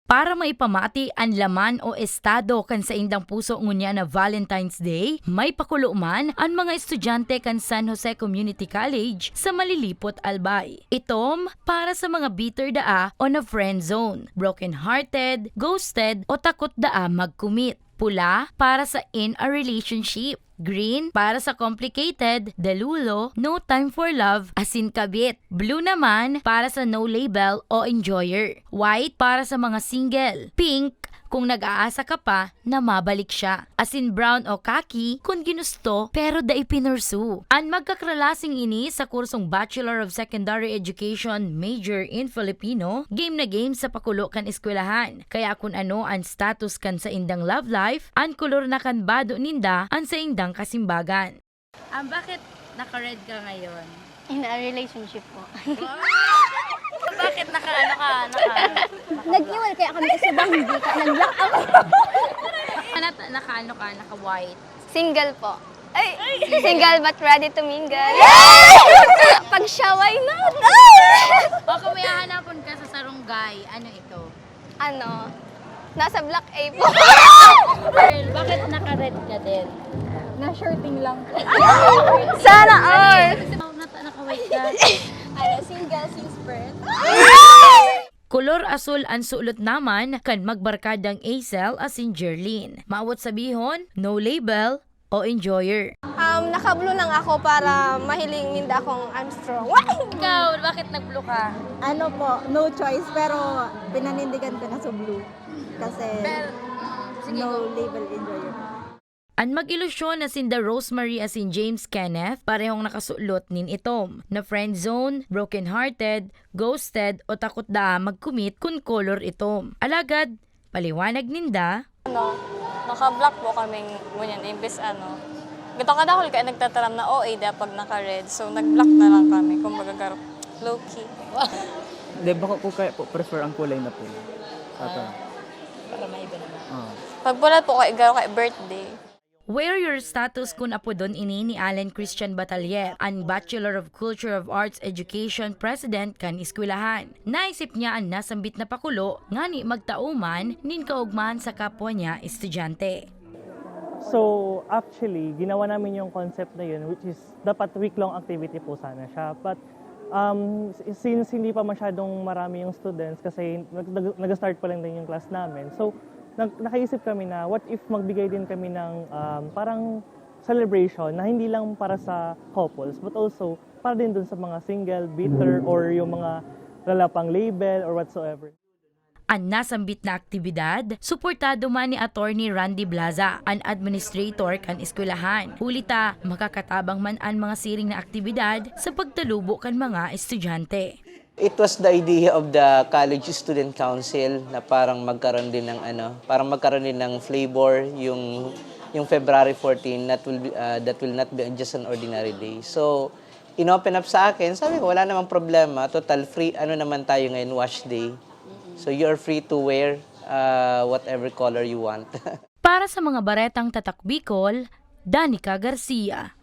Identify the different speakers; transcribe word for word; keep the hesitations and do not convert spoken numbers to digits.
Speaker 1: Para maipamati ang laman o estado kan sa indang puso ngunya na Valentine's Day, may pakulo man ang mga estudyante kan San Jose Community College sa Malilipot, Albay. Itom para sa mga bitter daa o na friend zone, broken-hearted, ghosted o takot daa mag-commit. Pula para sa in a relationship. Green para sa complicated, delulo, no time for love, asin kabit. Blue naman para sa no label o enjoyer. White para sa mga single. Pink kung nag-aasa ka pa na mabalik siya. Asin brown o khaki kung ginusto pero da ipinursu. Ang magkakralasing ini sa kursong Bachelor of Secondary Education major in Filipino, game na game sa pakulo kan eskwelahan. Kaya kung ano ang status kan sa indang love life, ang kulor na kan bado ninda ang sa indang kasimbagan. Um, bakit naka-red ka ngayon?
Speaker 2: In a relationship po.
Speaker 1: Bakit naka-ano ka? Naka,
Speaker 2: Nag-iwal kaya kami kasi bang hindi ka nag-lock ako.
Speaker 1: naka-ano ka? Naka-white?
Speaker 2: Single po. Ay, single but ready to mingle. Pag siya, why not?
Speaker 1: O kung may hahanapon ka sa sarunggay, ano ito?
Speaker 2: Ano? Nasa block A po.
Speaker 1: Girl, bakit naka-red ka din?
Speaker 3: Na-shirting lang.
Speaker 2: Sana all.
Speaker 1: Naka-white ka?
Speaker 3: Ano, single since birth.
Speaker 1: Kolor asul ang sulot naman kan magbarkadang Acel asin Jerlyn. Maawat sabihon, no label o enjoyer.
Speaker 3: Um, naka-blue lang ako para mahiling minda akong I'm strong.
Speaker 1: Ikaw, bakit nag-blue ka?
Speaker 4: Ano po, no choice, pero pinanindigan ko na sa blue. Kasi no label enjoyer.
Speaker 1: Ang mag-ilusyon na sinda Rosemary asin James Kenneth, parehong nakasulot nin itom, na friend zone, broken-hearted, ghosted o takot da mag-commit kun color itom. Alagad, paliwanag ninda,
Speaker 5: Ano, naka-block po kaming ngunyan, imbes ano. Gito ka dahol kaya nagtataram na O A da pag naka-red, so nag-block na lang kami, kumbaga garo, low-key.
Speaker 6: Hindi, baka po kaya po prefer ang kulay na pula. Ata.
Speaker 1: para maiba naman.
Speaker 6: Ah.
Speaker 5: Pag pula po kay garo kay birthday.
Speaker 1: Where your status kun apo don ini ni Allen Christian Batalier, ang Bachelor of Culture of Arts Education President kan eskwelahan. Naisip niya ang nasambit na pakulo nga ni magtauman nin kaugmahan sa kapwa niya estudyante.
Speaker 7: So, actually, ginawa namin yung concept na yun, which is dapat week-long activity po sana siya. But um, since hindi pa masyadong marami yung students, kasi nag- nag-start pa lang din yung class namin, so nag- nakaisip kami na what if magbigay din kami ng um, parang celebration na hindi lang para sa couples, but also para din dun sa mga single, bitter, or yung mga lalapang label or whatsoever.
Speaker 1: Ang nasambit na aktibidad, suportado man ni Attorney Randy Blaza, ang administrator kan eskwelahan. Hulita, makakatabang man ang mga siring na aktibidad sa pagtalubo kan mga estudyante.
Speaker 8: It was the idea of the College Student Council na parang magkaroon din ng ano, parang magkaroon din ng flavor yung yung February fourteenth that will be, uh, that will not be just an ordinary day. So, inopen up sa akin, sabi ko wala namang problema, total free ano naman tayo ngayon, wash day. So you're free to wear uh, whatever color you want.
Speaker 1: Para sa mga baretang tatak Bicol, Danica Garcia.